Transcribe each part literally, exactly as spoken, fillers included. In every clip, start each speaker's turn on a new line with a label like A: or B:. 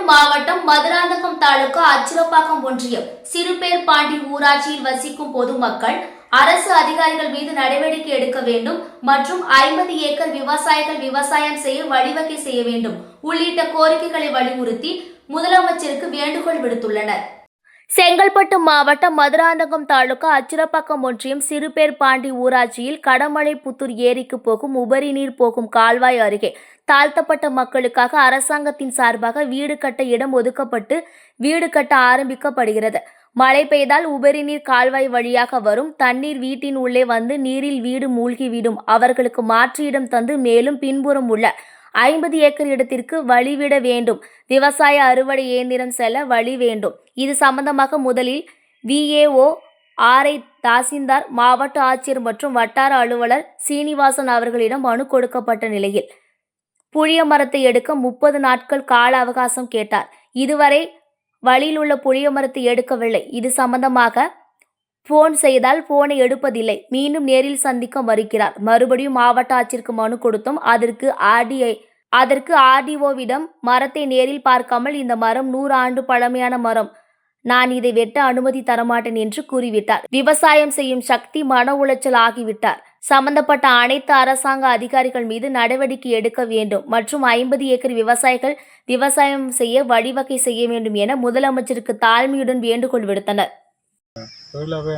A: மாவட்டம் மதுராந்தகம் தாலுகா அச்சிரப்பாக்கம் ஒன்றியம் சிறுபேர்பாண்டி ஊராட்சியில் வசிக்கும் பொதுமக்கள் அரசு அதிகாரிகள் மீது நடவடிக்கை எடுக்க வேண்டும் மற்றும் ஐம்பது ஏக்கர் விவசாயிகள் விவசாயம் செய்ய வழிவகை செய்ய வேண்டும் உள்ளிட்ட கோரிக்கைகளை வலியுறுத்தி முதலமைச்சருக்கு வேண்டுகோள் விடுத்துள்ளனர். செங்கல்பட்டு மாவட்டம் மதுராந்தகம் தாலுகா அச்சிரப்பாக்கம் ஒன்றியம் சிறுபேர்பாண்டி ஊராட்சியில் கடமலைப்புத்தூர் ஏரிக்கு போகும் உபரி நீர் போகும் கால்வாய் அருகே தாழ்த்தப்பட்ட மக்களுக்காக அரசாங்கத்தின் சார்பாக வீடு கட்ட இடம் ஒதுக்கப்பட்டு வீடு கட்ட ஆரம்பிக்கப்படுகிறது. மழை பெய்தால் உபரி நீர் கால்வாய் வழியாக வரும் தண்ணீர் வீட்டின் உள்ளே வந்து நீரில் வீடு மூழ்கிவிடும். அவர்களுக்கு மாற்று இடம் தந்து மேலும் பின்புறம் உள்ள ஐம்பது ஏக்கர் இடத்திற்கு வழிவிட வேண்டும். விவசாய அறுவடை இயந்திரம் செல்ல வழி வேண்டும். இது சம்பந்தமாக முதலில் விஏஓ, ஆர்ஐ, தாசில்தார், மாவட்ட ஆட்சியர் மற்றும் வட்டார அலுவலர் சீனிவாசன் அவர்களிடம் மனு கொடுக்கப்பட்ட நிலையில் புளிய மரத்தை எடுக்க முப்பது நாட்கள் கால அவகாசம் கேட்டார். இதுவரை வழியில் உள்ள புளிய மரத்தை எடுக்கவில்லை. இது சம்பந்தமாக போன் செய்தால் போனை எடுப்பதில்லை. மீண்டும் நேரில் சந்திக்க மறுக்கிறார். மறுபடியும் மாவட்ட ஆட்சியருக்கு மனு கொடுத்தோம். அதற்கு ஆர்டிஐ அதற்கு ஆர்டிஓவிடம் மரத்தை நேரில் பார்க்காமல் இந்த மரம் நூறு ஆண்டு பழமையான மரம், நான் இதை வெட்ட அனுமதி தரமாட்டேன் என்று கூறிவிட்டார். விவசாயம் செய்யும் சக்தி மன உளைச்சல் ஆகிவிட்டார். சம்பந்தப்பட்ட அனைத்து அரசாங்க அதிகாரிகள் மீது நடவடிக்கை எடுக்க வேண்டும் மற்றும் ஐம்பது ஏக்கர் விவசாயிகள் விவசாயம் செய்ய வழிவகை செய்ய வேண்டும் என முதலமைச்சருக்கு தாழ்மையுடன் வேண்டுகோள் விடுத்தனர்.
B: தொழிலாகவே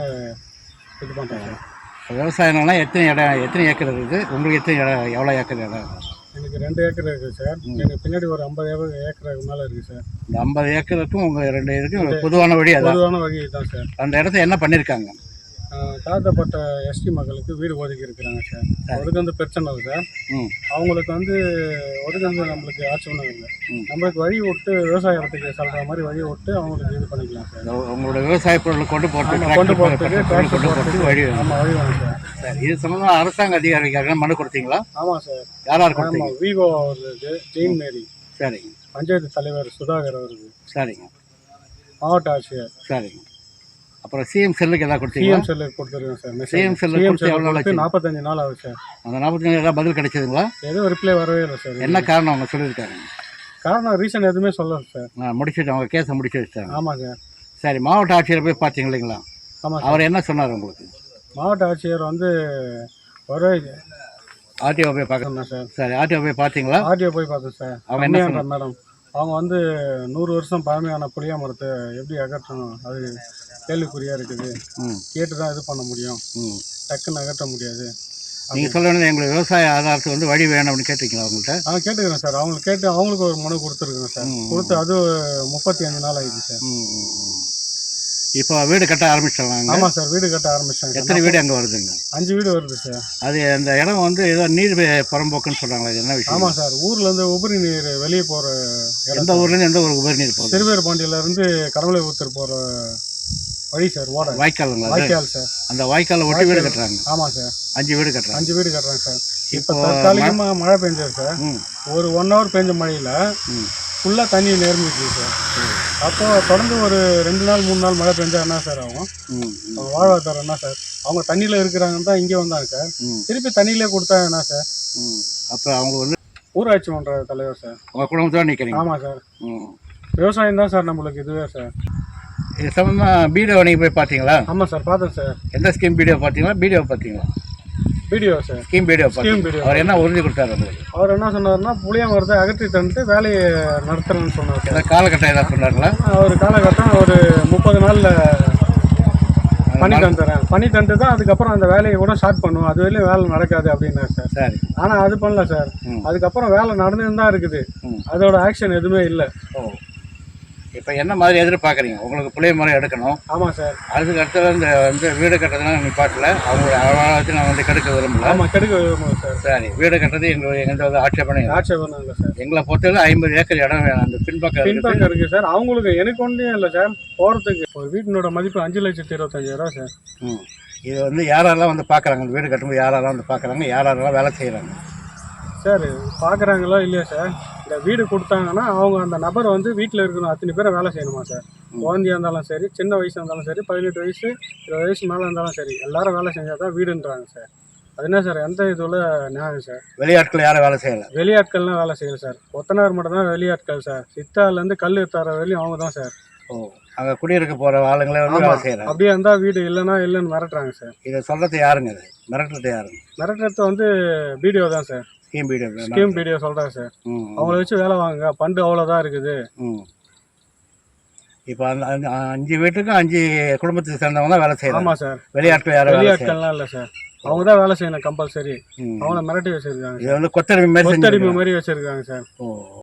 B: இது பண்ணுறாங்க.
C: விவசாயம்னா எத்தனை இடம், எத்தனை ஏக்கர் இருக்குது உங்களுக்கு? எத்தனை இடம், எவ்வளோ ஏக்கர் இடம்?
B: எனக்கு ரெண்டு ஏக்கர் இருக்குது சார். எனக்கு பின்னாடி ஒரு ஐம்பது ஏக்கர் ஏக்கருக்கு மேலே இருக்குது சார்.
C: இந்த ஐம்பது ஏக்கருக்கும் உங்கள் ரெண்டு இதுக்கும் பொதுவான வழி அதான்.
B: பொதுவான வழி தான் சார்.
C: அந்த இடத்த என்ன பண்ணியிருக்காங்க?
B: தாழ்த்தப்பட்ட எஸ்டி மக்களுக்கு வீடு ஒதுக்கி இருக்கிறாங்க சார். அதுக்கு வந்து பிரச்சனை இல்லை சார். அவங்களுக்கு வந்து ஒதுக்கு வந்து நம்மளுக்கு ஆட்சி ஒன்றும் இல்லை. நம்மளுக்கு வழி விட்டு விவசாயத்துக்கு சொல்கிற மாதிரி வழி விட்டு அவங்களுக்கு இது பண்ணிக்கலாம் சார்.
C: உங்களோட விவசாய பொருளை கொண்டு போட்டு
B: கொண்டு போகிறதுக்கு
C: கொண்டு போகிறதுக்கு வழி
B: ஆமாம் வழி வேணும் சார்.
C: சார் இது சம்பந்தமாக அரசாங்க அதிகாரிகளுக்காக மனு கொடுத்தீங்களா?
B: ஆமாம் சார்.
C: யார் யார் கொடுத்தீங்க?
B: விவோ அவருக்கு, ஜெயின் மேரி,
C: சரிங்க.
B: பஞ்சாயத்து தலைவர் சுதாகர் அவருக்கு,
C: சரிங்க.
B: மாவட்ட ஆட்சியர்,
C: சரிங்க. அப்புறம் சிஎம் செல்லுக்கு எதாவது கொடுத்தீங்க?
B: சிஎம் செல்லுக்கு கொடுத்துருக்கேன் சார்.
C: சிஎம் செல்லுக்கு எவ்வளோ நாள்?
B: நாற்பத்தஞ்சு நாள் ஆகுது சார்.
C: அந்த நாற்பத்தஞ்சு ஏதாவது பதில் கிடைச்சதுங்களா?
B: எதுவும் ரிப்ளை வரவே இல்லை சார்.
C: என்ன காரணம் அவங்க சொல்லியிருக்காங்க?
B: காரணம் ரீசன் எதுவுமே சொல்லலை சார்.
C: நான் முடிச்சுட்டு அவங்க கேஸை முடிச்சு வச்சிட்டாங்க.
B: ஆமாம் சார்.
C: சரி, மாவட்ட ஆட்சியரை போய் பார்த்தீங்க இல்லைங்களா?
B: ஆமாம்.
C: அவர் என்ன சொன்னார் உங்களுக்கு?
B: மாவட்ட ஆட்சியர் வந்து ஒரு
C: ஆர்டிஓ போய் பார்க்கணும் சார். சரி, ஆர்டிஓ போய் பார்த்தீங்களா?
B: ஆர்டிஓ போய் பார்த்தேன் சார். அவங்க என்ன பண்ணுறாங்க மேடம், அவங்க வந்து நூறு வருஷம் பழமையான புளிய மரத்தை எப்படி அகற்றணும் அது கேள்விக்குறியாக இருக்குது. கேட்டு தான் இது பண்ண முடியும், டக்குன்னு அகற்ற முடியாது.
C: நீங்கள் சொல்ல வேண்டியது எங்களுக்கு விவசாய ஆதாரத்துக்கு வந்து வழி வேணும் அப்படின்னு கேட்டிருக்கீங்களா அவங்கள்ட்ட?
B: ஆ கேட்டுக்கிறேன் சார். அவங்களுக்கு கேட்டு அவங்களுக்கு ஒரு மனு கொடுத்துருக்குறேன் சார். கொடுத்து அது முப்பத்தி அஞ்சு நாள் ஆகிடுச்சு சார்.
C: இப்போ வீடு கட்ட ஆரம்பிச்சிடலாங்க?
B: ஆமாம் சார், வீடு கட்ட ஆரம்பிச்சிட்டாங்க.
C: எத்தனை வீடு அங்கே வருதுங்க?
B: அஞ்சு வீடு வருது சார். அது
C: அந்த இடம் வந்து ஏதோ நீர் புறம்போக்குன்னு சொல்கிறாங்களா, இது என்ன விஷயம்?
B: ஆமாம் சார், ஊர்லேருந்து உபரி நீர் வெளியே போகிற இடம்.
C: எந்த ஊர்லேருந்து எந்த ஊருக்கு உபரி நீர் போகுது?
B: சிறுபேர்பாண்டியிலேருந்து கடமலை ஊத்தர் போகிற வழி சார். ஓட
C: வாய்க்காலுங்களா?
B: வாய்க்கால் சார்.
C: அந்த வாய்க்காலை ஒட்டி வீடு கட்டுறாங்க?
B: ஆமாம் சார்.
C: அஞ்சு வீடு கட்டுறாங்க.
B: அஞ்சு வீடு கட்டுறாங்க சார். இப்போ தற்காலிகமாக மழை பெஞ்சது சார். ஒரு ஒன் ஹவர் பெஞ்ச மழையில் ஃபுல்லாக தண்ணி நிரம்பிச்சு சார். அப்போ தொடர்ந்து ஒரு ரெண்டு நாள் மூணு நாள் மழை பெஞ்சா என்ன சார் ஆகும்? வாழ்வாதாரம் என்ன சார்? அவங்க தண்ணியில் இருக்கிறாங்கன்னு தான் இங்கே வந்தாங்க சார். திருப்பி தண்ணியிலே கொடுத்தா என்ன சார்?
C: அப்போ அவங்க வந்து
B: ஊராட்சி மன்ற தலைவர் சார்.
C: உங்கள் குடும்பத்தோடு நிற்கிறீங்க?
B: ஆமாம் சார். விவசாயம் தான் சார் நம்மளுக்கு இதுவே சார்.
C: இது சம்பந்தமாக பிடிஓ நீங்கள் போய் பார்த்தீங்களா?
B: ஆமாம் சார், பார்த்தேன் சார்.
C: எந்த ஸ்கீம் பிடிஓ பார்த்தீங்களா, பிடிஓ பார்த்தீங்களா?
B: BDO sir.
C: Scheme BDO
B: scheme BDO.
C: அவர் என்ன உறுதி கொடுத்தாரு உங்களுக்கு?
B: அவர் என்ன சொன்னார்னா புளிய மரத்தை அகற்றி தந்துட்டு வேலையை நடத்துறேன்னு சொன்னார் சார்.
C: காலகட்டம் ஏதாவது சொன்னார்களா?
B: ஒரு காலகட்டம் ஒரு முப்பது நாளில் பண்ணி தந்துடுறேன், பண்ணி தந்துட்டு தான் அதுக்கப்புறம் அந்த வேலையை கூட ஸ்டார்ட் பண்ணுவோம், அது வரையிலும் வேலை நடக்காது அப்படின்னாரு சார்.
C: சரி.
B: ஆனால் அது பண்ணல சார். அதுக்கப்புறம் வேலை நடந்துன்னு தான் இருக்குது, அதோட ஆக்ஷன் எதுவுமே இல்லை.
C: ஓ, இப்போ என்ன மாதிரி எதிர்பார்க்குறீங்க? உங்களுக்கு புளிய மரம் எடுக்கணும்.
B: ஆமாம் சார்.
C: அதுக்கு அடுத்தது இந்த வந்து வீடு கட்டுறதுலாம் நிப்பாட்டில் அவங்களோட அழகாக நான் வந்து கெடுக்க விரும்பல.
B: ஆமாம், கெடுக்க விரும்புகிறேன் சார்.
C: சரி, வீடு கட்டுறது எங்களுக்கு எங்கள்கிட்ட வந்து ஆட்சேபனை
B: ஆட்சேபனை இல்லை சார்.
C: எங்களை பொறுத்தவரை ஐம்பது ஏக்கர் இடம் வேணும். அந்த பின்பக்கம்
B: பின்பக்கம் இருக்குது சார். அவங்களுக்கு எனக்கு ஒன்றும் இல்லை சார். போகிறதுக்கு ஒரு வீட்டினோட மதிப்பு அஞ்சு லட்சத்தி இருபத்தஞ்சாயிரம் சார்.
C: ம், இது வந்து யாரெல்லாம் வந்து பார்க்குறாங்க? வீடு கட்டும்போது யாரெல்லாம் வந்து பார்க்குறாங்க? யாரெல்லாம் வேலை செய்கிறாங்க
B: சார்? பார்க்குறாங்களோ இல்லையா சார், இந்த வீடு கொடுத்தாங்கன்னா அவங்க அந்த நபர் வந்து வீட்டில் இருக்கணும், அத்தனை பேரை வேலை செய்யணுமா சார். குழந்தையாக இருந்தாலும் சரி, சின்ன வயசாக இருந்தாலும் சரி, பதினெட்டு வயசு இருபது வயசு மேலே இருந்தாலும் சரி, எல்லாரும் வேலை செஞ்சால் தான் வீடுன்றாங்க சார். அது என்ன சார் எந்த இதுல நியாயம் சார்?
C: வெளியாட்கள் யாரும் வேலை செய்யலை?
B: வெளியாட்கள்லாம் வேலை செய்யல சார். கொத்தனார் மட்டும் தான் வெளியாட்கள் சார். சித்தாலேருந்து கல் தர வரையும் அவங்க தான் சார்.
C: ஓ, அங்கே குடியிருக்க போகிற ஆளுங்களே வந்து வேலை செய்கிறாங்க.
B: அப்படியே இருந்தால் வீடு இல்லைன்னா இல்லைன்னு மிரட்டுறாங்க சார்.
C: இதை சொல்கிறது யாருங்க? இது மிரட்டுறது யாருங்க?
B: மிரட்டுறது வந்து பிடிஓ தான் sir.
C: Scheme BDO.
B: Scheme BDO சொல்கிறாங்க சார்.
C: ம்.
B: அவங்கள வச்சு வேலை வாங்குங்க, பண்டு அவ்வளோதான் இருக்குது.
C: ம். இப்போ அந்த அஞ்சு அஞ்சு வீட்டுக்கும் அஞ்சு குடும்பத்துக்கு சேர்ந்தவங்க தான் வேலை செய்யறாங்க.
B: ஆமாம் சார்.
C: வெளியாட்கள் யாரும்
B: வெளியாட்கள்லாம் இல்லை சார். அவங்க தான் வேலை செய்யணும் கம்பல்சரி. அவங்கள மிரட்டி வச்சிருக்காங்க.
C: இது வந்து கொத்தடிமை மாதிரி
B: கொத்தடிமை மாதிரி வச்சிருக்காங்க சார்.
C: ஓ.